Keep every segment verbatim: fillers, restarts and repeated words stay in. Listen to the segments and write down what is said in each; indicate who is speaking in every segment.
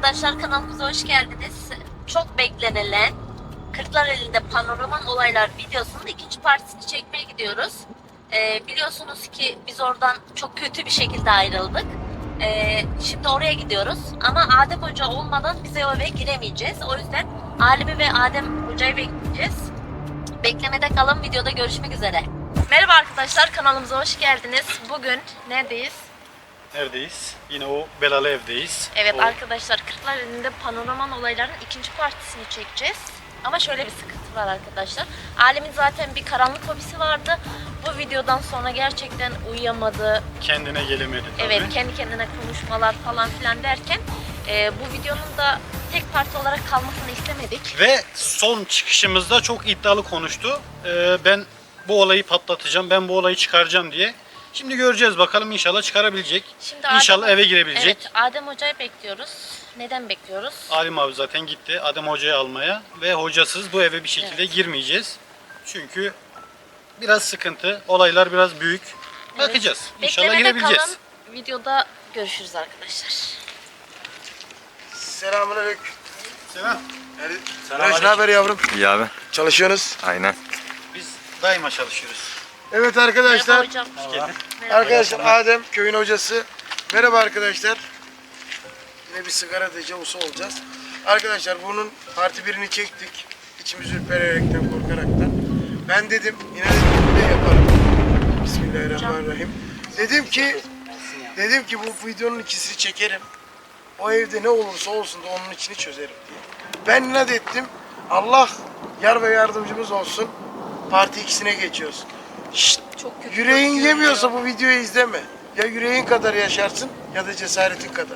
Speaker 1: arkadaşlar, kanalımıza hoş geldiniz. Çok beklenilen Kırklareli'nde Panoraman Olaylar videosunun ikinci partisini çekmeye gidiyoruz. Ee, biliyorsunuz ki biz oradan çok kötü bir şekilde ayrıldık. Ee, şimdi oraya gidiyoruz ama Adem Hoca olmadan bize o eve giremeyeceğiz. O yüzden Alim'i ve Adem Hoca'yı bekleyeceğiz. Beklemede kalın, videoda görüşmek üzere. Merhaba arkadaşlar, kanalımıza hoş geldiniz. Bugün neredeyiz?
Speaker 2: Neredeyiz? Yine o belalı evdeyiz.
Speaker 1: Evet
Speaker 2: o...
Speaker 1: arkadaşlar, Kırklareli'nde Panoraman Olayların ikinci partisini çekeceğiz. Ama şöyle bir sıkıntı var arkadaşlar. Alim'in zaten bir karanlık hobisi vardı. Bu videodan sonra gerçekten uyuyamadı.
Speaker 2: Kendine gelemedi tabii.
Speaker 1: Evet, kendi kendine konuşmalar falan filan derken e, bu videonun da tek parti olarak kalmasını istemedik.
Speaker 2: Ve son çıkışımızda çok iddialı konuştu. Ee, ben bu olayı patlatacağım, ben bu olayı çıkaracağım diye. Şimdi göreceğiz bakalım, inşallah çıkarabilecek. Şimdi İnşallah Adem, eve girebilecek.
Speaker 1: Evet, Adem Hoca'yı bekliyoruz. Neden bekliyoruz?
Speaker 2: Alim abi zaten gitti Adem Hoca'yı almaya ve hocasız bu eve bir şekilde evet. girmeyeceğiz. Çünkü biraz sıkıntı, olaylar biraz büyük. Evet. Bakacağız. İnşallah
Speaker 1: Beklemede
Speaker 2: girebileceğiz.
Speaker 1: Kalan videoda görüşürüz arkadaşlar.
Speaker 3: Selamünaleyküm.
Speaker 2: Selam.
Speaker 3: Selam. Ne haber yavrum?
Speaker 4: İyi abi.
Speaker 3: Çalışıyorsunuz?
Speaker 4: Aynen.
Speaker 2: Biz daima çalışıyoruz.
Speaker 3: Evet arkadaşlar.
Speaker 1: Merhaba hocam.
Speaker 3: Merhaba. Arkadaşlar Adem köyün hocası. Merhaba arkadaşlar. Yine bir sigara dejavusu olacağız. Arkadaşlar bunun parti birini çektik. İçimiz ürpererekten, korkaraktan. Ben dedim yine de ne yaparım. Bismillahirrahmanirrahim. Dedim ki dedim ki bu videonun ikisini çekerim. O evde ne olursa olsun da onun içini çözerim diye. Ben inat ettim. Allah yar ve yardımcımız olsun. Parti ikisine geçiyoruz. Şşt,
Speaker 1: Çok kötü
Speaker 3: yüreğin
Speaker 1: bakıyor
Speaker 3: yemiyorsa
Speaker 1: ya.
Speaker 3: bu videoyu izleme. Ya yüreğin kadar yaşarsın ya da cesaretin kadar.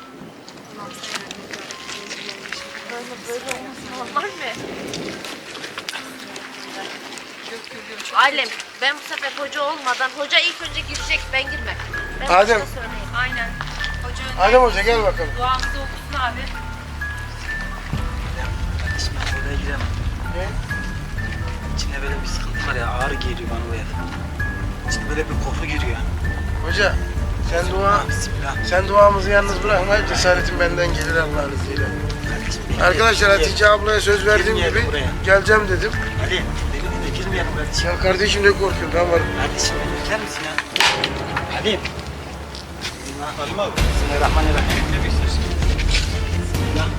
Speaker 1: Böyle, böyle olması normal mi? Ailem, ben bu sefer hoca olmadan, hoca ilk önce girecek, ben girmem. Ben
Speaker 3: Adem.
Speaker 1: hocaya söyleyeyim.
Speaker 5: Aynen. Hoca önce
Speaker 3: Adem Hoca gel bakalım.
Speaker 5: duamızı okusun abi.
Speaker 6: Kardeşim ben oraya giremem.
Speaker 3: Ne?
Speaker 6: İçinde böyle bir sıkıntı var ya, ağrı geliyor bana o ev. İçinde böyle bir koku giriyor.
Speaker 3: Hoca sen dua
Speaker 6: Bismillah.
Speaker 3: sen duamızı yalnız bırakma. Cesaretin benden gelir Allah'ın izniyle.
Speaker 6: Kardeşim, benim
Speaker 3: Arkadaşlar
Speaker 6: yerim-
Speaker 3: Hatice ablaya söz verdiğim
Speaker 6: Girmeyelim
Speaker 3: gibi
Speaker 6: buraya.
Speaker 3: geleceğim dedim.
Speaker 6: Ali, benim de girmeyelim kardeşim.
Speaker 3: Ya kardeşim ne korkuyorsun, ben varım.
Speaker 6: Kardeşim beni bekler misin ya? Ali. Bismillah.
Speaker 2: Alim abi.
Speaker 6: Bismillahirrahmanirrahim. Ne istersin? Bismillah.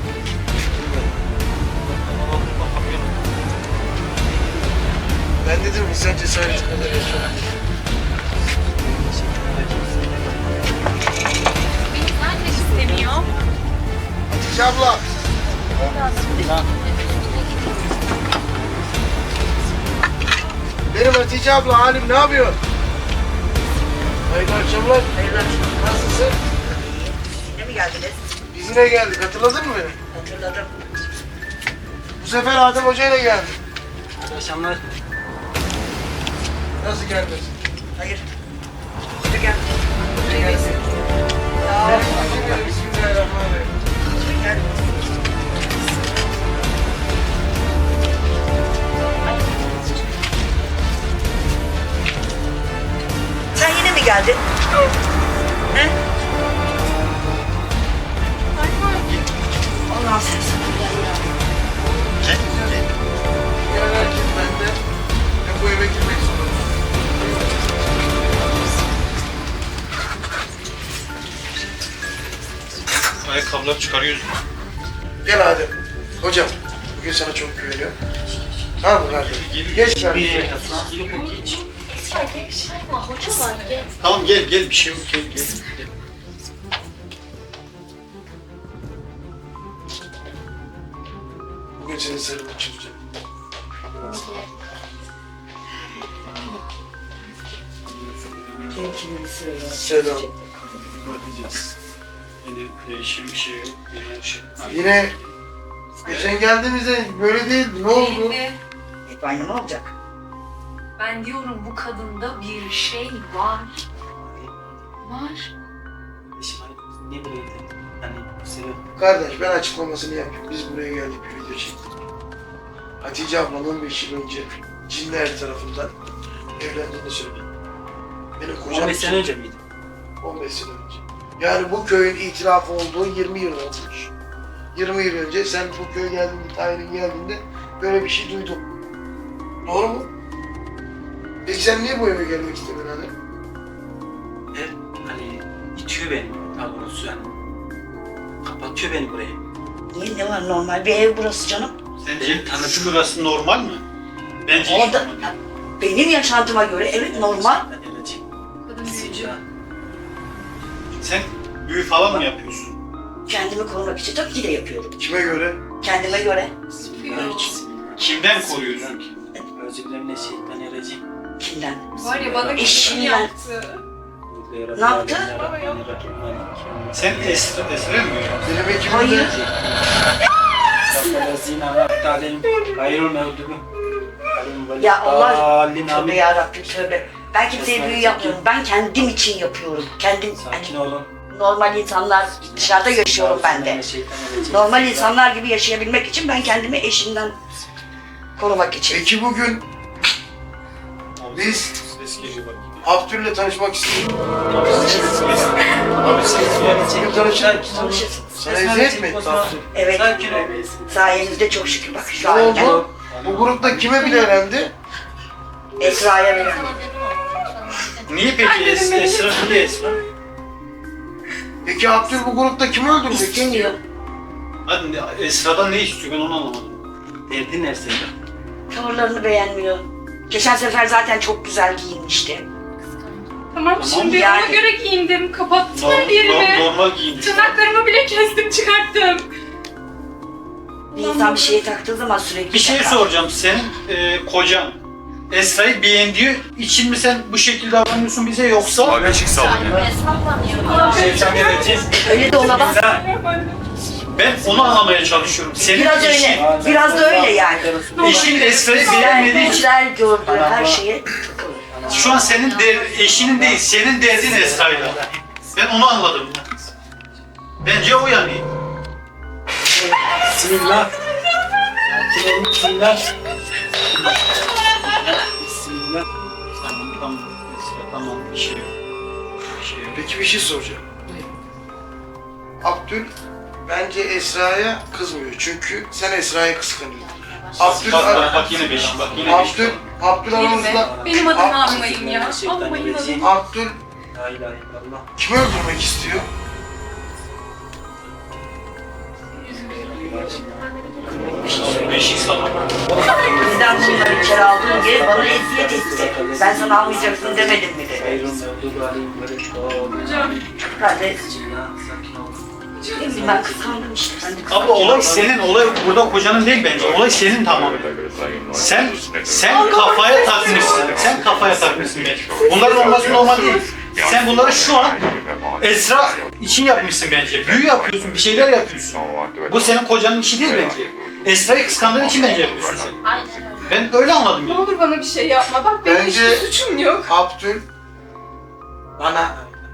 Speaker 3: Ben dedim insan cesareti kadar yaşar.
Speaker 5: Beni zaten istemiyor.
Speaker 3: Hatice abla. Benim Hatice abla, Halim ne yapıyor? Hayırlı akşamlar.
Speaker 7: Hayırlı akşamlar.
Speaker 3: Nasılsın?
Speaker 7: Yine mi geldiniz?
Speaker 3: Biz yine geldik, hatırladın mı beni?
Speaker 7: Hatırladım.
Speaker 3: Bu sefer Adem Hoca ile geldik.
Speaker 6: Hadi akşamlar.
Speaker 3: Nasıl gelmesin?
Speaker 7: Hayır. Hoca geldi. Hoca geldi.
Speaker 3: Bismillahirrahmanirrahim.
Speaker 7: Hoca geldi. Sen yine mi geldin? He? Allah'ım sen sabır ver ya.
Speaker 3: Gelen herkes bende. Ben bu eve girmek zorundayım.
Speaker 2: Ayakkabıları çıkarıyoruz.
Speaker 3: Gel Adem. Hocam, bugün sana çok güveniyorum. Al bu kardeşim. Geç kardeşim.
Speaker 1: Hoca var, gel.
Speaker 2: Tamam gel gel, bir şey yok, gel gel. gel.
Speaker 3: Bugün senin sırrını çözeceğim. Selam.
Speaker 2: Bakacağız. Yine değişim bir şey yok. Yine şey. Hadi.
Speaker 3: Yine geçen geldiğimizde böyle değildi. Ne oldu?
Speaker 5: Ve
Speaker 7: Banyo ne olacak?
Speaker 5: ben diyorum bu kadında bir şey var. Var.
Speaker 6: Kardeşim hani biz niye buraya gidelim? Hani bu sebep.
Speaker 3: Kardeş ben açıklamasını yapayım. Biz buraya geldik, bir video çektik. Hatice ablam on beş yıl önce cinler tarafından evlendiğini söyledi. Benim kocam
Speaker 6: on beş sene önce miydi?
Speaker 3: on beş sene önce. Yani bu köyün itiraf olduğu yirmi yıl olmuş. yirmi yıl önce sen bu köye geldiğinde, Tahir'in geldiğinde böyle bir şey duydun. Doğru mu? Peki sen niye bu eve gelmek istedin Adem?
Speaker 6: E, hani itiyor beni daha doğrusu yani. Kapatıyor beni buraya.
Speaker 7: Niye, ne var, normal bir ev burası canım.
Speaker 2: Sence tanıdık burası normal mi? Bence hiç
Speaker 7: Orada
Speaker 2: normal değil.
Speaker 7: benim yaşantıma göre evet normal.
Speaker 6: Ben öleceğim.
Speaker 5: Kadın büyücü.
Speaker 2: Sen büyü falan mı yapıyorsun?
Speaker 7: Kendimi korumak için tabii ki de yapıyorum.
Speaker 3: Kime göre?
Speaker 7: Kendime göre.
Speaker 2: Kimden koruyorsun ki?
Speaker 6: Özürlemle
Speaker 7: Kimden?
Speaker 5: Var ya bana bir şey
Speaker 7: Eşimden.
Speaker 5: yaptı.
Speaker 7: Ne yaptı?
Speaker 2: Sen Esra, Esra mı?
Speaker 3: Benim ekibimde
Speaker 7: Hayır. Ya Allah, tövbe yarabbim tövbe. Ben kimseye büyü yapmıyorum. Ben kendim için yapıyorum. Kendim,
Speaker 6: Sakin
Speaker 7: hani
Speaker 6: olun.
Speaker 7: normal insanlar dışarıda yaşıyorum ben de. Normal insanlar gibi yaşayabilmek için ben kendimi eşimden korumak için.
Speaker 3: Peki bugün biz
Speaker 2: Ses geliyor bak.
Speaker 3: Abdül'le tanışmak istiyoruz.
Speaker 2: Abi ses
Speaker 3: Bugün tanışalım.
Speaker 7: Tanışırsınız.
Speaker 3: Sana eziyet mi etti Abdül?
Speaker 7: Evet.
Speaker 6: Sakin ol.
Speaker 7: Sayenizde çok şükür bak şu
Speaker 3: Ne
Speaker 7: an
Speaker 3: oldu? Bu grupta kime bile elendi?
Speaker 7: Esra'ya veriyorum.
Speaker 2: Niye peki Es Esra? Niye Esra?
Speaker 3: Peki Abdül bu grupta kimi öldürmek istiyor?
Speaker 7: İstemiyor.
Speaker 2: Hadi ne- Esra'dan ne istiyor ben onu anlamadım.
Speaker 6: Derdin ne senin?
Speaker 7: Tavırlarını beğenmiyor. Geçen sefer zaten çok güzel giyinmişti.
Speaker 5: Tamam şimdi
Speaker 7: yani.
Speaker 5: ona göre giyindim. Kapattım her
Speaker 2: Normal,
Speaker 5: yerimi.
Speaker 2: normal giyinmiş.
Speaker 5: Tırnaklarımı bile kestim çıkarttım.
Speaker 7: Bir insan bir şeye taktığı zaman sürekli
Speaker 2: Bir şey
Speaker 7: takar.
Speaker 2: soracağım. Senin e, kocan Esra'yı beğendiği için mi sen bu şekilde davranıyorsun bize yoksa?
Speaker 1: Sahibi sallanıyor.
Speaker 2: Şeytan geleceğiz.
Speaker 7: Öyle de ona bak.
Speaker 2: Ben onu anlamaya çalışıyorum. Senin
Speaker 7: Biraz
Speaker 2: eşin,
Speaker 7: öyle. Biraz da öyle yani.
Speaker 2: eşin Esra'yı
Speaker 7: Güzel,
Speaker 2: beğenmediği için
Speaker 7: güzel gördüğü her şeye
Speaker 2: şu an senin der, eşinin değil, senin derdin Esra'yla. Ben onu anladım. Bence o yani.
Speaker 6: Bismillah. Sakin olun. Bismillah. Bismillah.
Speaker 2: Tamam, tamam. Esra, tamam. Bir şey yok. Bir şey yok.
Speaker 3: Peki bir şey soracağım. Abdül bence Esra'ya kızmıyor çünkü sen Esra'ya kıskanıyorsun. Abdül,
Speaker 2: Bak, bak, bak yine beş, bak yine beş.
Speaker 3: Abdül, Abdül aramızda
Speaker 5: Benim adımı
Speaker 3: Ab-
Speaker 5: almayın ya. Almayın adımı.
Speaker 3: Abdül
Speaker 6: La ilahe illallah.
Speaker 3: kimi öldürmek istiyor?
Speaker 2: Beşik sana.
Speaker 7: bizden bunları içeri aldığın gibi bana eziyet etti. Ben sana almayacaksın demedim mi dedi.
Speaker 6: Hayrun mevdudu aleyhim ve reddâ.
Speaker 5: Hocam.
Speaker 7: Ben de
Speaker 6: Bismillah. Sakin olun.
Speaker 7: ne bileyim, ben kıskandım işte. Ben de kıskandım.
Speaker 2: Abla olay senin, olay burada kocanın değil bence. Olay senin tamamen. Sen, sen kafaya takmışsın. Sen kafaya takmışsın bence. Bunların olması normal değil. Sen bunları şu an Esra için yapmışsın bence. Büyü yapıyorsun, bir şeyler yapıyorsun. Bu senin kocanın işi değil bence. Esra'yı kıskandığın için bence yapıyorsun sen.
Speaker 1: Aynen öyle.
Speaker 2: Ben öyle anladım
Speaker 5: Ne
Speaker 2: yani.
Speaker 5: olur bana bir şey yapma. Bak benim
Speaker 3: Bence-
Speaker 5: hiçbir suçum yok.
Speaker 3: Abdül bana,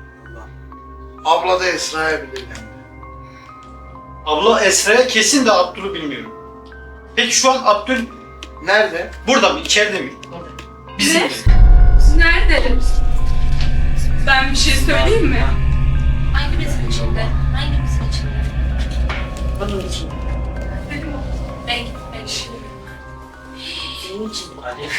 Speaker 3: abla da Esra'ya bile elendi.
Speaker 2: Abla Esra'ya kesin de Abdül'ü bilmiyorum. Peki şu an Abdül
Speaker 3: Nerede?
Speaker 2: burada mı, içeride mi? Bizim
Speaker 5: Ne?
Speaker 2: mi?
Speaker 5: Nerede? Ben bir şey söyleyeyim mi?
Speaker 1: Hangimizin içinde? Hangimizin içinde?
Speaker 7: Bunun için.
Speaker 1: Ben gitmek için.
Speaker 7: Senin için.
Speaker 6: Ali. Ali.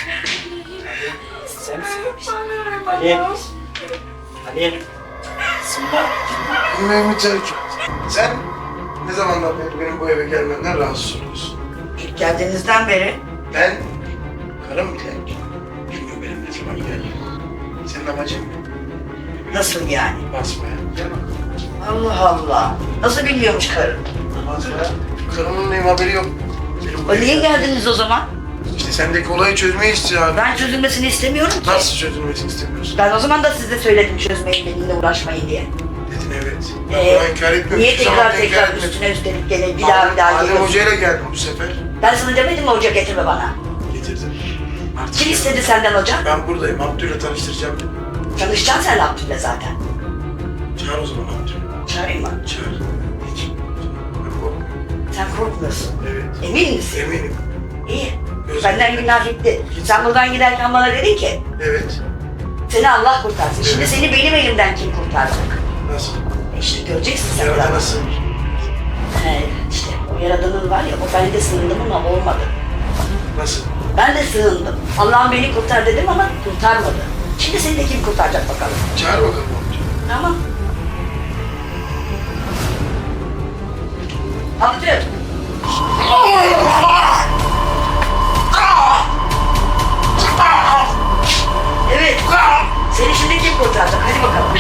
Speaker 6: Sen misin? Ali. Ali. Bismillah.
Speaker 3: Bilmemi terk et. Sen ne zamandan beri benim bu eve gelmenden rahatsız oluyorsun?
Speaker 7: İlk geldiğinizden beri
Speaker 3: Ben, karım bile bilmiyor benim ne zaman geldiğimi. Senin amacın
Speaker 7: nasıl yani?
Speaker 3: basmaya. Gel bak.
Speaker 7: Allah Allah. Nasıl biliyormuş karın?
Speaker 3: Basmaya. Karımın benim haberi yok. Benim bu
Speaker 7: O niye
Speaker 3: eve-
Speaker 7: geldiniz o zaman?
Speaker 3: İşte sendeki olayı çözmeyi istiyor abi.
Speaker 7: Ben çözülmesini istemiyorum ki.
Speaker 3: Nasıl çözülmesini istemiyorsun?
Speaker 7: Ben o zaman da size söyledim çözmeyin, benimle uğraşmayın diye.
Speaker 3: Dedin evet. Ben
Speaker 7: Ee,
Speaker 3: buna inkar etmiyorum.
Speaker 7: Niye
Speaker 3: Hiçbir zaman
Speaker 7: tekrar
Speaker 3: da inkar
Speaker 7: tekrar
Speaker 3: etmedim.
Speaker 7: üstüne üstelik gene bir daha bir daha
Speaker 3: Adem
Speaker 7: geliyorsun?
Speaker 3: Hoca'yla geldim bu sefer.
Speaker 7: Ben sana demedim mi hoca getirme bana?
Speaker 3: Getirdim. Artık
Speaker 7: Kim
Speaker 3: geldim.
Speaker 7: istedi senden hoca?
Speaker 3: Ben buradayım. Abdül'le tanıştıracağım.
Speaker 7: Tanışacaksın sen Abdül'le zaten.
Speaker 3: Çağır o zaman Abdül'ü.
Speaker 7: Çağırayım mı?
Speaker 3: Çağır. Peki. Ben korkmuyorum.
Speaker 7: Sen korkmuyorsun.
Speaker 3: Evet.
Speaker 7: Emin misin?
Speaker 3: Eminim.
Speaker 7: İyi.
Speaker 3: Gözüm-
Speaker 7: Benden günah gitti. Sen buradan giderken bana dedin ki
Speaker 3: Evet.
Speaker 7: seni Allah kurtarsın. Şimdi
Speaker 3: Evet.
Speaker 7: seni benim elimden kim kurtaracak?
Speaker 3: Nasıl?
Speaker 7: E işte göreceksin sen
Speaker 3: Yarada
Speaker 7: biraz.
Speaker 3: nasıl?
Speaker 7: He, işte O yaradanın var ya, o ben de sığındım ama olmadı.
Speaker 3: Nasıl?
Speaker 7: Ben de sığındım. Allah'ım beni kurtar dedim ama kurtarmadı. Şimdi seni de kim kurtaracak bakalım.
Speaker 3: Çağır bakalım amca.
Speaker 7: Tamam. Abdül. Evet. Seni şimdi kim kurtaracak? Hadi bakalım.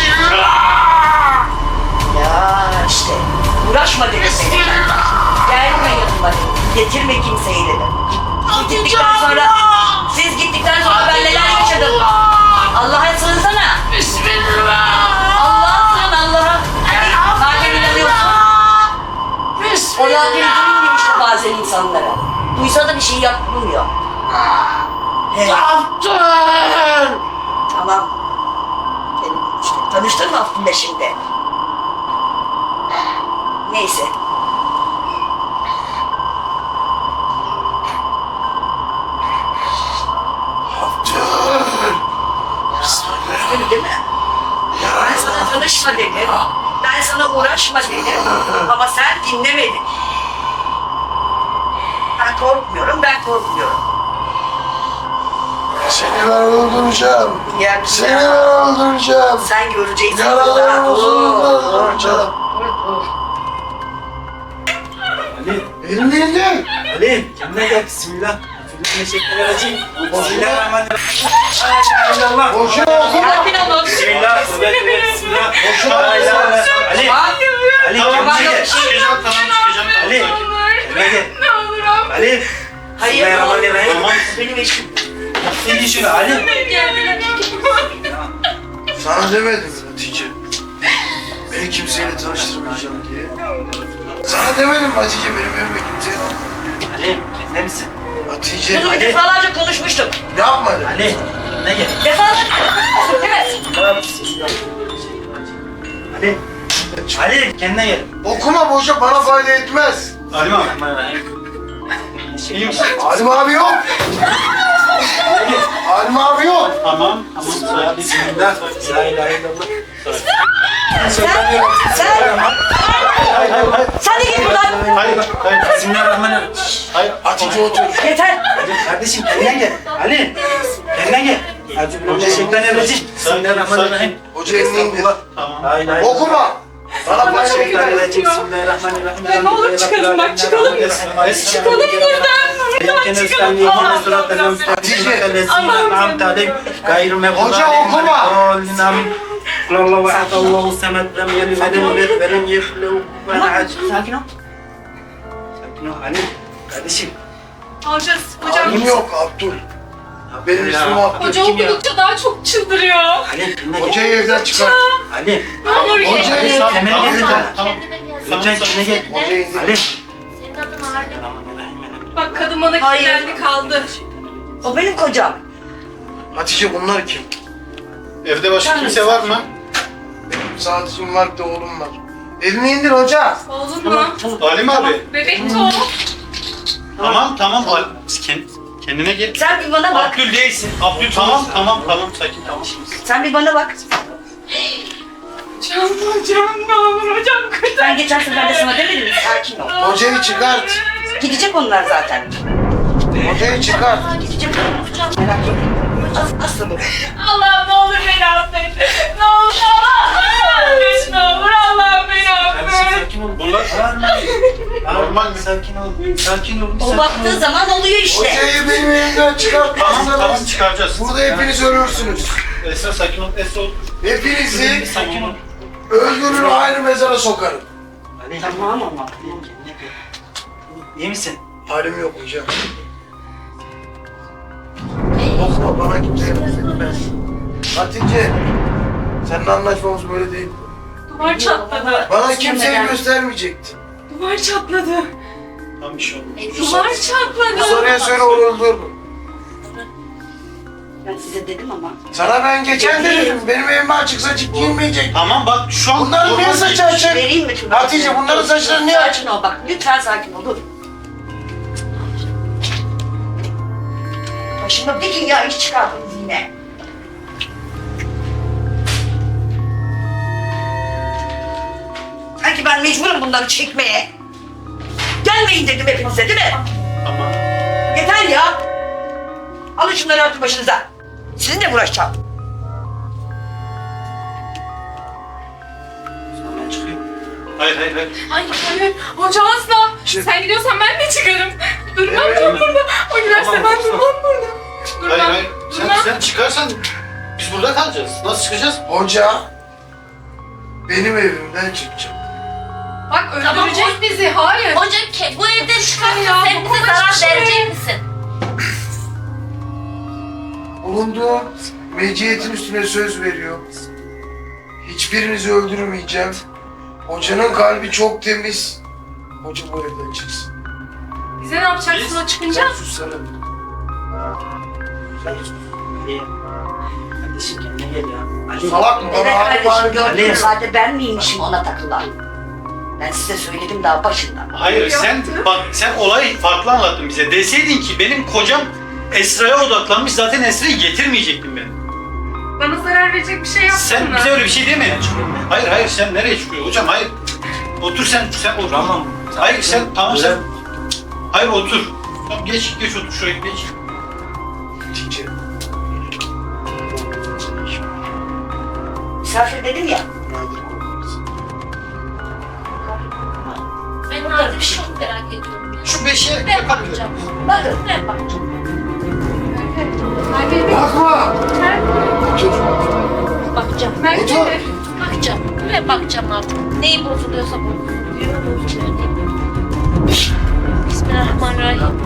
Speaker 7: Ya işte. Uğraşma dedim seni. Gelme yanıma dedim. Getirme kimseyi dedim. Siz gittikten sonra, siz gittikten sonra ben neler yaşadım. Allah'a sığınsana. Bismillah. Allah'a sığın Allah'a. Zaten inanıyorsun. O zaten duymuyor işte bazen insanlara. Duysa da bir şey yapmıyor. Evet.
Speaker 3: Yaptın!
Speaker 7: Tamam. Benim işte tanıştın mı Abdül'le şimdi? Neyse. Abdül değil mi? Ben sana tanışma dedim. Ben sana uğraşma dedim. Ama sen dinlemedin. Ben korkmuyorum, ben korkmuyorum.
Speaker 3: Seni ben öldüreceğim.
Speaker 7: Ya,
Speaker 3: Seni ben öldüreceğim.
Speaker 7: sen göreceksin.
Speaker 3: Yaralarını öldüreceğim.
Speaker 6: Ali,
Speaker 3: Elini indir.
Speaker 6: Ali, kendine gel. Bismillah. Bismillahirrahmanirrahim. Bismillahirrahmanirrahim. Allah.
Speaker 3: Boşuna okuma.
Speaker 7: Sakin olun.
Speaker 6: Bismillah. Bismillah.
Speaker 3: Boşuna
Speaker 6: Ali,
Speaker 3: okuma.
Speaker 6: Ali, Ali,
Speaker 2: Tamam
Speaker 6: kendine gel.
Speaker 2: çıkacağım tamam çıkacağım.
Speaker 6: Ali, kendine gel.
Speaker 5: Ne olur abi.
Speaker 6: Ali.
Speaker 7: Hayır,
Speaker 6: Bismillahirrahmanirrahim.
Speaker 2: Tamam.
Speaker 7: benim eşim.
Speaker 6: İyi şunu Ali.
Speaker 3: Sana demedim mi Hatice? Beni kimseyle tanıştırmayacağım diye. Sana demedim mi Hatice benim evime kimseyle?
Speaker 6: Ali, kendine misin?
Speaker 3: Hatice.
Speaker 7: Bunu
Speaker 6: Ali.
Speaker 7: defalarca konuşmuştuk.
Speaker 3: Yapmadım.
Speaker 6: Ali, ne gel?
Speaker 7: Defalarca. Evet.
Speaker 6: Ali, Ali, kendine gel.
Speaker 3: Okuma boşa bana fayda etmez.
Speaker 2: Halim abi.
Speaker 6: Bismillahirrahmanirrahim.
Speaker 2: İyi misin?
Speaker 3: Halim abi yok. Halim abi yok.
Speaker 2: Tamam. Tamam. Sakin.
Speaker 6: Bismillah. La ilahe illallah.
Speaker 7: Sen, sen,
Speaker 2: Hayır hayır hayır.
Speaker 7: sen de git buradan.
Speaker 2: Hayır hayır.
Speaker 6: Bismillahirrahmanirrahim.
Speaker 2: Hayır.
Speaker 3: Hatice otur.
Speaker 7: Yeter.
Speaker 6: Ali, kardeşim kendine gel. Ali, kendine gel. Euzubillahimineşşeytanirracim. Bismillahirrahmanirrahim.
Speaker 3: Hoca elini indir.
Speaker 2: Tamam.
Speaker 6: La ilahe illallah.
Speaker 3: Okuma. Bana fayda etmez.
Speaker 6: Euzubillahimineşşeytanirracim. Bismillahirrahmanirrahim.
Speaker 5: Ya ne olur çıkalım bak, çıkalım. Çıkalım buradan. Buradan çıkalım. Allah
Speaker 3: Hoca okuma.
Speaker 6: Allahu ehad, Allahu samed, lem yelid ve lem yulad ve lem yekun lehu kufuven ahad.
Speaker 7: Sakin ol.
Speaker 6: Sakin ol Ali. Kardeşim.
Speaker 5: Alacağız hocam.
Speaker 3: Halim yok Abdül. Benim ismim Abdül.
Speaker 5: Hoca okudukça daha çok çıldırıyor.
Speaker 6: Ali, kendine gel.
Speaker 3: Hocayı evden çıkar.
Speaker 6: Ali.
Speaker 5: Ne olur gel.
Speaker 3: Hocayı
Speaker 2: Tamam
Speaker 6: Temel
Speaker 2: tamam
Speaker 6: gel.
Speaker 2: tamam. tamam.
Speaker 6: Lütfen kendine gel.
Speaker 3: Hocayı indir.
Speaker 6: Ali.
Speaker 1: Senin adın Halim.
Speaker 5: Bak kadın bana
Speaker 7: Hayır.
Speaker 5: kilitlendi kaldı.
Speaker 7: O benim kocam.
Speaker 3: Hatice bunlar kim?
Speaker 2: Evde başka kimse var mı?
Speaker 3: Sadece var bir de oğlum var. Elini indir hoca.
Speaker 5: Oğlum mu?
Speaker 2: Halim abi.
Speaker 5: Bebek o.
Speaker 2: Tamam tamam. Hal- Kend- Kendine gel.
Speaker 7: Sen bir bana bak.
Speaker 2: Abdül değilsin. Abdül tamam tamam tamam sakin tamam.
Speaker 7: Sen bir bana bak.
Speaker 5: Hocam hocam ne olur hocam kurtar.
Speaker 7: Ben geçen sefer de sana demedim mi? Sakin ol.
Speaker 3: Hocayı çıkart.
Speaker 7: Gidecek onlar zaten.
Speaker 3: Hocayı çıkart.
Speaker 7: Gidecek onlar. Merak etme. As aslı bu.
Speaker 5: Allah'ım ne olur beni affet. Ne olur Allah'ım affet. Ne olur Allah'ım beni
Speaker 6: Kardeşim
Speaker 5: affet.
Speaker 6: sakin ol.
Speaker 2: Bunlar normal mi?
Speaker 6: Sakin ol. Sakin ol.
Speaker 7: O baktığı zaman oluyor işte.
Speaker 3: Hocayı benim elimden
Speaker 2: Tamam
Speaker 3: çıkartmazsanız
Speaker 2: tamam çıkaracağız.
Speaker 3: burada hepiniz ölürsünüz.
Speaker 2: Esra sakin ol. Esra ol.
Speaker 3: Hepinizi
Speaker 6: Sakin ol.
Speaker 3: öldürür ayrı mezara sokarım.
Speaker 6: Ali.
Speaker 7: Tamam ama.
Speaker 6: Kendine gel. İyi misin?
Speaker 3: Halim yok hocam. Okuma bana kimse yapmaz. Hatice, seninle anlaşmamız böyle değil.
Speaker 5: Duvar çatladı.
Speaker 3: Bana kimseyi göstermeyecektin.
Speaker 5: Duvar çatladı.
Speaker 2: Tamam bir şey oldu.
Speaker 5: Duvar çatladı.
Speaker 3: Soruya söyle onu öldürürüm.
Speaker 7: Ben size dedim ama.
Speaker 3: Sana ben geçen de dedim, benim evime açıksa açık giyinmeyecek.
Speaker 2: Tamam bak şu an
Speaker 3: Bunların niye saçı açık?
Speaker 7: Vereyim mi?
Speaker 3: Hatice bunların saçları niye açık?
Speaker 7: Sakin ol bak. Lütfen sakin ol. Dur. Başıma bir dünya iş çıkardınız yine. Sanki ben mecburum bunları çekmeye. gelmeyin dedim hepinize değil mi?
Speaker 2: Tamam.
Speaker 7: Yeter ya. Alın şunları atın başınıza. Sizinle mi uğraşacağım?
Speaker 6: Ben çıkıyorum.
Speaker 2: Hayır hayır hayır.
Speaker 5: Hayır hayır. Hoca asla. Sen gidiyorsan ben de çıkarım. Durmam
Speaker 3: Evet.
Speaker 5: ben burada. O giderse
Speaker 2: Tamam,
Speaker 5: ben
Speaker 2: tamam.
Speaker 5: durmam burada. Durmam.
Speaker 2: Hayır hayır. Sen,
Speaker 5: Durmam.
Speaker 2: sen çıkarsan biz burada kalacağız. Nasıl çıkacağız?
Speaker 3: Hoca benim evimden çıkacak.
Speaker 5: Bak öldürecek
Speaker 1: Tamam.
Speaker 5: bizi. Hayır.
Speaker 1: Hoca ke- bu evden çıkarsa
Speaker 5: ya,
Speaker 1: sen
Speaker 5: bu
Speaker 1: bize
Speaker 5: başka
Speaker 1: zarar
Speaker 5: şey.
Speaker 1: verecek misin?
Speaker 3: Bulunduğum meciyetin üstüne söz veriyorum. Hiçbirinizi öldürmeyeceğim. Hocanın kalbi çok temiz. Hoca bu evden çıksın.
Speaker 5: Bize ne yapacaksın o çıkınca?
Speaker 3: Sussana.
Speaker 6: Ali. Kardeşim kendine gel ya. Ali.
Speaker 3: Salak mı?
Speaker 7: Evet
Speaker 3: Bana
Speaker 7: kardeşim
Speaker 3: ağır
Speaker 7: gördünüz
Speaker 6: Ali.
Speaker 7: zaten ben miymişim ona takılan? Ben size söyledim daha başından.
Speaker 2: Hayır sen bak sen olayı farklı anlattın bize. Deseydin ki benim kocam Esra'ya odaklanmış, zaten Esra'yı getirmeyecektim ben.
Speaker 5: Bana zarar verecek bir şey yaptın
Speaker 2: Sen
Speaker 5: mı?
Speaker 2: bize öyle bir şey demedin. Hayır hayır sen nereye çıkıyorsun hocam? Hayır. Otur sen sen otur.
Speaker 6: Tamam.
Speaker 2: Hayır sen tamam sen.
Speaker 6: Böyle-
Speaker 2: Hayır otur. Tamam geç geç otur şuraya geç.
Speaker 3: Hatice.
Speaker 7: Misafir dedim ya.
Speaker 3: Nadir korkmasın.
Speaker 1: Ben Nadir'i çok merak ediyorum ya.
Speaker 2: Şu beşiğe
Speaker 1: Ben
Speaker 2: bakın.
Speaker 1: bakacağım.
Speaker 7: Bakın.
Speaker 1: Ben bakacağım.
Speaker 5: Merve,
Speaker 3: Bakma! Çocuk.
Speaker 1: Bakacağım.
Speaker 5: Merve.
Speaker 3: Otur.
Speaker 1: Bakacağım. Ben bakacağım artık. Neyi bozuluyorsa bozuluyor. Bozuluyor değil. Bismillahirrahmanirrahim.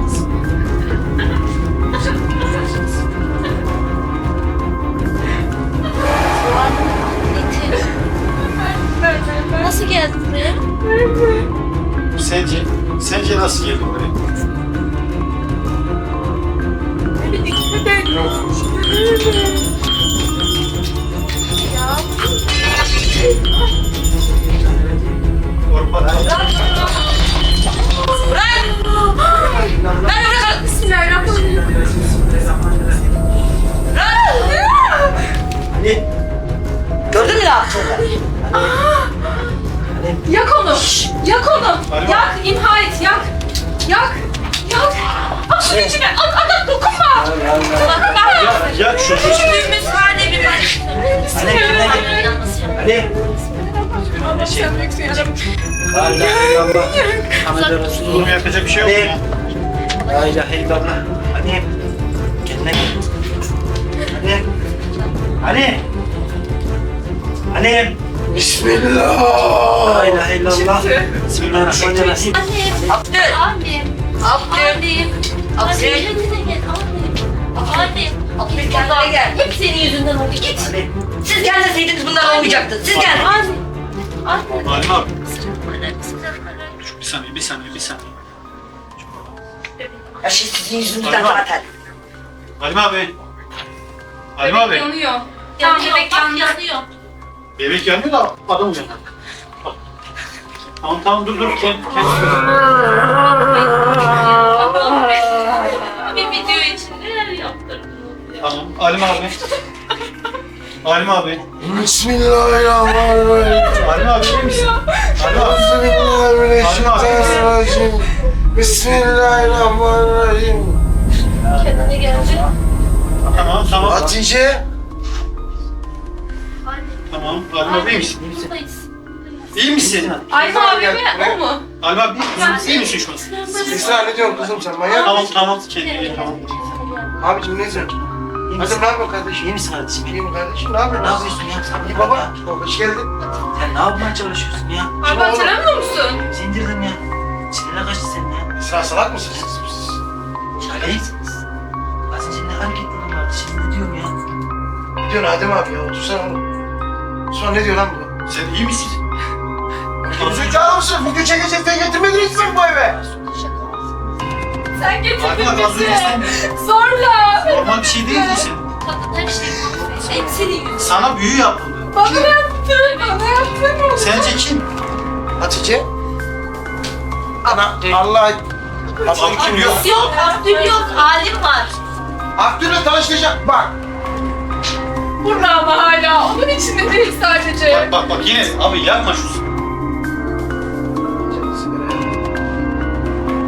Speaker 1: Eti. Nasıl geldin buraya?
Speaker 2: Sence sence nasıl geldin buraya? Korkma.
Speaker 7: Ben bırakın.
Speaker 5: Bismillahirrahmanirrahim.
Speaker 6: Ali.
Speaker 7: Gördün mü ne yaptığını?
Speaker 5: Yak onu. Yak onu.
Speaker 2: Alo.
Speaker 5: Yak. İmha et. Yak. Yak. Yak. At şunu içine. At at at. Dokunma.
Speaker 2: Ya, ya şu
Speaker 1: Küçüğümüz hale bir bak.
Speaker 6: Ali kendine gel.
Speaker 1: Yalnız yap.
Speaker 6: Ali.
Speaker 5: Allah sen büyüksün yarabbim.
Speaker 6: La ilahe illallah. Muhammed Resulullah.
Speaker 2: Oğlum yapacak bir şey yok ya.
Speaker 6: La ilahe illallah. Ali. Kendine gel. Ali. Ali. Ali.
Speaker 3: Bismillah!
Speaker 6: La ilahe illallah. Bismillahirrahmanirrahim.
Speaker 1: Annem.
Speaker 7: Abdül.
Speaker 1: Annem.
Speaker 7: Abdül.
Speaker 1: Annem.
Speaker 7: Abdül.
Speaker 1: Kendine gel. Annem. Annem.
Speaker 7: Abdül
Speaker 1: Git
Speaker 7: kendine
Speaker 1: buradan.
Speaker 7: gel.
Speaker 1: Hep senin yüzünden oldu. Git.
Speaker 6: Ali.
Speaker 7: Siz gelmeseydiniz bunlar olmayacaktı. Siz geldiniz.
Speaker 1: Anne. Anne.
Speaker 2: Halim abi.
Speaker 1: Bismillahirrahmanirrahim. Bismillahirrahmanirrahim.
Speaker 2: Bir saniye bir saniye bir saniye.
Speaker 7: Her şey sizin yüzünüzden zaten.
Speaker 2: Halim abi. Halim abi.
Speaker 5: Yanıyor. Tamam
Speaker 1: Yanıyor.
Speaker 5: bebek
Speaker 1: Bak
Speaker 5: yandı.
Speaker 1: yanıyor.
Speaker 2: Bebek yanıyor da adam uyanıyor. Tamam tamam dur dur kend, kend.
Speaker 1: Bir video için neler yaptırdınız ya?
Speaker 2: Tamam Halim abi. Halim abi.
Speaker 3: Bismillahirrahmanirrahim.
Speaker 2: Halim abi iyi misin? Halim abi.
Speaker 3: Euzubillahimineşşeytanirracim. Bismillahirrahmanirrahim.
Speaker 1: Kendine gelecek.
Speaker 2: Tamam tamam.
Speaker 3: Hatice.
Speaker 2: Tamam Halim abi iyi misin?
Speaker 1: Buradayız.
Speaker 2: İyi misin?
Speaker 5: Ayma abi mi? O mu?
Speaker 2: Halim abi iyi misin? İyi misin şu an?
Speaker 3: Esra ne diyorsun kızım sen manyak
Speaker 2: Tamam
Speaker 3: mısın?
Speaker 2: tamam kendine gel tamam.
Speaker 3: Abicim ne diyorsun?
Speaker 6: İyi
Speaker 3: Hadi
Speaker 6: misin?
Speaker 3: ne yapıyorsun kardeşim?
Speaker 6: İyi misin kardeşim?
Speaker 3: İyi mi kardeşim? Ne yapıyorsun?
Speaker 6: Ne yapıyorsun ya? Sen
Speaker 3: İyi
Speaker 6: ne
Speaker 3: baba.
Speaker 6: ya?
Speaker 3: Hoş geldin.
Speaker 6: Sen ne yapmaya çalışıyorsun ya?
Speaker 5: Abi hatırlamıyor musun?
Speaker 6: Bizi indirdin ya. Sinirle kaçtı senin ya.
Speaker 3: Esra salak mısın siz?
Speaker 6: Ali. Az önce ne hareketlerin vardı? Şimdi ne diyorum ya?
Speaker 3: Ne diyorsun Adem abi ya? Otursana oğlum. Sonra ne diyor lan bu?
Speaker 2: Sen iyi misin?
Speaker 3: Zekalı mısın? Video çekeceğiz diye getirmediniz mi bu eve?
Speaker 5: Sen
Speaker 2: Halim
Speaker 5: getirdin
Speaker 2: abi az önce
Speaker 5: bizi.
Speaker 2: sen
Speaker 5: Zorla.
Speaker 2: normal bir şey değil misin?
Speaker 1: Kadın her şeyi konuşuyor. Hep senin yüzünden.
Speaker 2: Sana büyü yapıldı.
Speaker 5: Bana yaptın. Bana yaptın.
Speaker 2: Sence kim?
Speaker 3: Hatice. Ana Allah...
Speaker 2: Abdül yok.
Speaker 1: Yok, Abdül yok. Alim var.
Speaker 3: Abdül'le tanıştıracak bak.
Speaker 5: Burada ama hala. Onun içinde değil sadece.
Speaker 2: Bak bak bak yine abi yapma şu.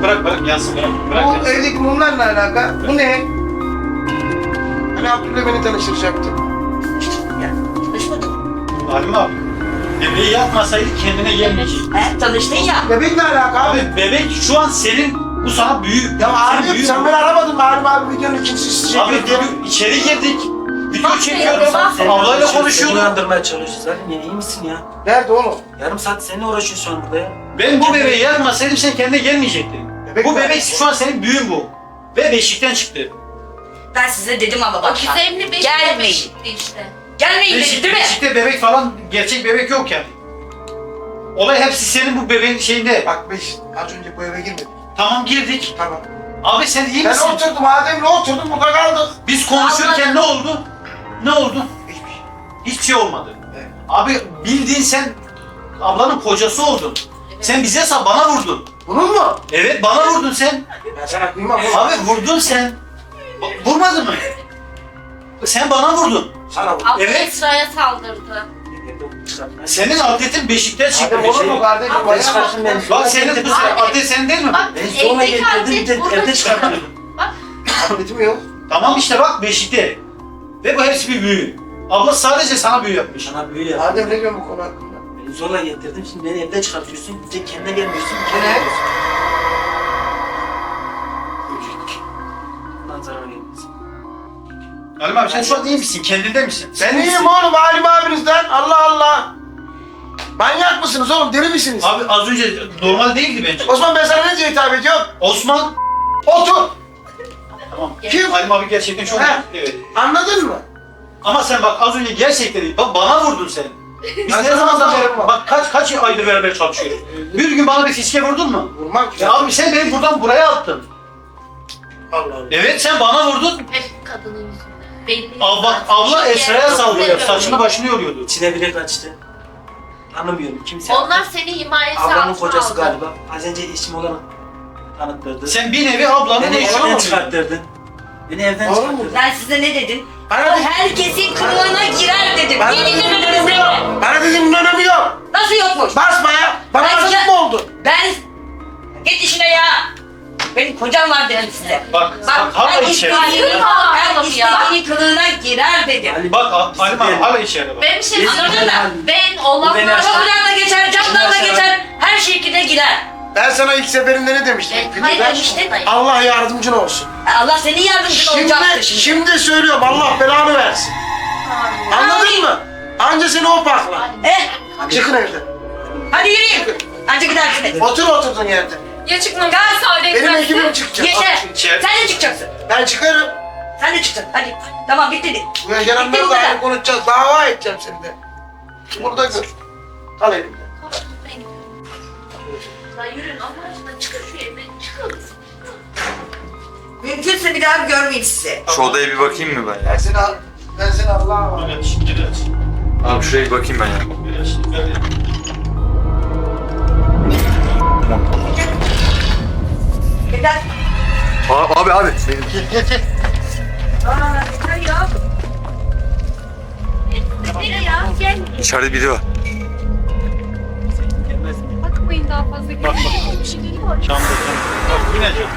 Speaker 2: bırak bırak yansın bırak. Bırak
Speaker 3: Bu
Speaker 2: yansın.
Speaker 3: evdeki mumlarla alaka. Bu ne? Hani Abdül'le beni tanıştıracaktı.
Speaker 7: Ya, tanışmadın.
Speaker 2: Halim abi. Bebeği yapmasaydı kendine gelmeyecek.
Speaker 7: He, tanıştın ya.
Speaker 3: Bebekle alaka abi.
Speaker 2: Abi bebek şu an senin, bu sana büyü.
Speaker 3: Ya
Speaker 2: senin
Speaker 3: abi
Speaker 2: büyü
Speaker 3: sen
Speaker 2: bu.
Speaker 3: beni aramadın mı? Halim abi videonun ikincisi çekiyor.
Speaker 2: Abi video, içeri girdik. Video
Speaker 1: Bak,
Speaker 2: çekiyoruz.
Speaker 1: bak,
Speaker 6: Seninle
Speaker 2: Ablayla
Speaker 6: uğraşıyoruz, Seni
Speaker 2: konuşuyorduk.
Speaker 6: uyandırmaya çalışıyoruz. Halim ya iyi misin ya?
Speaker 3: Nerede oğlum?
Speaker 6: Yarım saat seninle uğraşıyoruz şu an burada ya.
Speaker 2: Ben bu bebeği yapmasaydım sen kendine gelmeyecektin.
Speaker 3: Bebek
Speaker 2: bu
Speaker 3: mi?
Speaker 2: bebek şu an senin büyün bu. Ve beşikten çıktı.
Speaker 7: Ben size dedim ama
Speaker 1: O
Speaker 7: bak.
Speaker 1: gizemli beşikte
Speaker 7: Gelmeyin.
Speaker 1: beşikti işte.
Speaker 7: Gelmeyin dedi
Speaker 2: Beşik,
Speaker 7: değil mi?
Speaker 2: beşikte bebek falan, gerçek bebek yok yani. Olay hepsi senin bu bebeğin şeyinde.
Speaker 3: Bak beş, az önce bu eve girmedik.
Speaker 2: Tamam girdik.
Speaker 3: Tamam.
Speaker 2: Abi sen iyi
Speaker 3: Ben
Speaker 2: misin?
Speaker 3: oturdum Adem'le oturdum burada kaldık.
Speaker 2: Biz konuşurken ne oldu? Ne oldu?
Speaker 3: Hiçbir şey.
Speaker 2: Hiçbir şey olmadı.
Speaker 3: Evet.
Speaker 2: Abi bildiğin sen ablanın kocası oldun. Sen bize sa bana vurdun.
Speaker 3: Bunun mu?
Speaker 2: Evet bana vurdun sen.
Speaker 3: Ben sana kıymam oğlum.
Speaker 2: Abi vurdun sen. Ba- Vurmadın mı? Sen bana vurdun.
Speaker 3: Sana vur.
Speaker 1: Abla
Speaker 2: Evet.
Speaker 1: Esra'ya saldırdı.
Speaker 2: Senin adletin beşikten çıktı.
Speaker 3: Adem olur mu kardeşim?
Speaker 1: Abla,
Speaker 3: Bayağı
Speaker 6: çıkarsın beni.
Speaker 2: Bak senin bu
Speaker 1: Abi.
Speaker 2: adlet senin değil mi?
Speaker 1: Bak
Speaker 6: Ben zorla
Speaker 1: evdeki
Speaker 6: getirdim bir
Speaker 1: adlet
Speaker 6: de
Speaker 1: burada
Speaker 6: evde
Speaker 1: çıktı.
Speaker 6: çıkarttım.
Speaker 1: Bak
Speaker 3: adletim yok.
Speaker 2: Tamam işte bak beşikte. Ve bu hepsi bir büyü. Abla sadece sana büyü yapmış.
Speaker 6: Sana büyü yaptım.
Speaker 3: Adem ne diyorsun bu konu hakkında?
Speaker 6: Beni zorla getirdim. Şimdi beni evden çıkartıyorsun. Bir de kendine gelmiyorsun.
Speaker 3: Ne?
Speaker 6: Kendine geliyorsun. Bundan zarar gelmesin.
Speaker 2: Halim abi sen şu an iyi misin? Kendinde misin?
Speaker 3: Ben iyiyim oğlum Halim abinizden. Allah Allah. Manyak mısınız oğlum? Deli misiniz?
Speaker 2: Abi az önce normal değildi bence.
Speaker 3: Osman ben sana ne diye hitap ediyorum?
Speaker 2: Osman.
Speaker 3: Otur.
Speaker 2: Tamam.
Speaker 3: Kim?
Speaker 2: Halim abi gerçekten çok
Speaker 3: He.
Speaker 2: evet.
Speaker 3: Anladın mı?
Speaker 2: Ama sen bak az önce gerçekten değil. Bak bana vurdun sen. Biz
Speaker 3: Ben
Speaker 2: ne
Speaker 3: sana
Speaker 2: zamandan
Speaker 3: zamandan
Speaker 2: beri, bak kaç kaç aydır beraber çalışıyoruz. Bir gün bana bir fiske vurdun mu?
Speaker 3: Vurmam ki.
Speaker 2: Ya abi sen beni buradan buraya attın.
Speaker 3: Allah Allah.
Speaker 2: Evet sen bana vurdun.
Speaker 1: hep kadının yüzünden. Belli.
Speaker 2: Abla, abla Esra'ya saldırıyor.
Speaker 1: Saçını
Speaker 2: Saçını başını yoruyordu.
Speaker 6: İçine bile kaçtı. Tanımıyorum kimse.
Speaker 1: Onlar seni himayesi
Speaker 6: Ablamın
Speaker 1: altına
Speaker 6: kocası
Speaker 1: aldı.
Speaker 6: galiba. Az önce eşim olarak tanıttırdı.
Speaker 2: Sen bir nevi ablanın
Speaker 6: Beni
Speaker 2: eşi
Speaker 6: evden
Speaker 2: olmadın.
Speaker 6: çıkarttırdın. Beni evden
Speaker 3: Doğru mu?
Speaker 6: çıkarttırdın.
Speaker 7: Ben size ne dedim?
Speaker 3: Bana
Speaker 7: O
Speaker 3: de-
Speaker 7: herkesin kılığına girer dedim.
Speaker 3: Bana
Speaker 7: Niye
Speaker 3: de-
Speaker 7: dinlemediniz beni?
Speaker 3: Bana dediğin önemi yok.
Speaker 7: Nasıl yokmuş?
Speaker 3: Basma ya. Bana
Speaker 7: Ben
Speaker 3: acık
Speaker 7: sana-
Speaker 3: mı oldu?
Speaker 7: Ben... Git işine ya. Benim kocam var dedim size.
Speaker 2: Bak,
Speaker 7: Bak
Speaker 2: bak hala
Speaker 7: ben
Speaker 2: içeri.
Speaker 7: istediğini,
Speaker 1: Hayır,
Speaker 7: ben
Speaker 1: hayır ya.
Speaker 7: istediğini kılığına girer dedim.
Speaker 2: Bak Halim abi hala içeride bak.
Speaker 1: Ben bir şey
Speaker 6: Biz-
Speaker 1: anladın mı? Ben
Speaker 6: Bu
Speaker 1: olanları...
Speaker 6: beni aşar.
Speaker 7: Kapıdan da geçer, camdan da geçer, her şekilde girer.
Speaker 3: Ben sana ilk seferinde ne demiştim?
Speaker 1: Ben
Speaker 3: Filmde?
Speaker 1: demiştin.
Speaker 3: Allah yardımcın olsun.
Speaker 7: Allah senin yardımcın olacaktır
Speaker 3: Şimdi,
Speaker 7: şimdi.
Speaker 3: şimdi söylüyorum Allah belanı versin. Anladın mı? Anca seni o pakla.
Speaker 7: Eh,
Speaker 3: Çıkın evden.
Speaker 7: hadi yürüyün. Hadi gidersiniz.
Speaker 3: Otur oturduğun yerde.
Speaker 5: Ya çıkmam. Ben müsaade
Speaker 3: Benim
Speaker 5: etmezsin.
Speaker 3: ekibim çıkacak.
Speaker 7: Yaşar,
Speaker 2: İçeri.
Speaker 7: sen de çıkacaksın.
Speaker 3: Ben çıkarım.
Speaker 7: Sen de çıkacaksın. Hadi. Tamam bitti.
Speaker 3: Bu
Speaker 7: Bitti bu
Speaker 3: yaşananları da
Speaker 7: kadar.
Speaker 3: ayrı konuşacağız. Dava edeceğim seni de. Burada gör. Al elimden.
Speaker 1: Lan yürüyün Allah aşkına çıkın şu evden çıkın.
Speaker 7: Mümkünse bir daha görmeyeyim sizi.
Speaker 4: Şu odaya bir bakayım mı ben ya?
Speaker 3: Ben seni al. Ben seni Allah'a var.
Speaker 2: Evet, evet.
Speaker 4: Abi şuraya bir bakayım ben ya.
Speaker 2: Evet, evet.
Speaker 7: Yeter.
Speaker 4: Aa, abi abi. Benim...
Speaker 7: Aa, yeter ya.
Speaker 1: Nereye ya? Gel.
Speaker 4: İçeride biri var.
Speaker 6: Gelmez mi?
Speaker 5: Bakmayın daha fazla.
Speaker 2: Bak bak.
Speaker 1: Bir şey geliyor.
Speaker 2: Camda cam. Bak yine cam.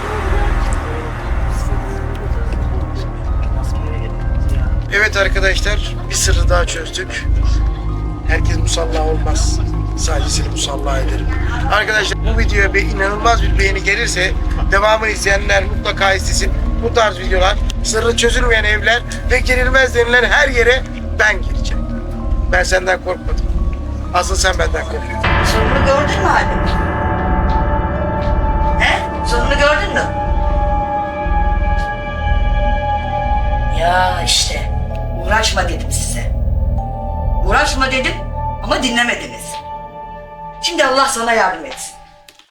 Speaker 6: Nasıl bir yere getirdiniz ya?
Speaker 3: Evet arkadaşlar, bir sırrı daha çözdük. Herkes musalla olmaz. Sadece seni musalla ederim. Arkadaşlar bu videoya bir inanılmaz bir beğeni gelirse devamını isteyenler mutlaka istesin. Bu tarz videolar, sırrı çözülmeyen evler ve girilmez denilen her yere ben gireceğim. Ben senden korkmadım. Asıl sen benden kork.
Speaker 7: Sonunu gördün mü Halim? He? Sonunu gördün mü? Ya işte. Uğraşma dedim size. Uğraşma dedim ama dinlemediniz. Şimdi Allah sana yardım etsin.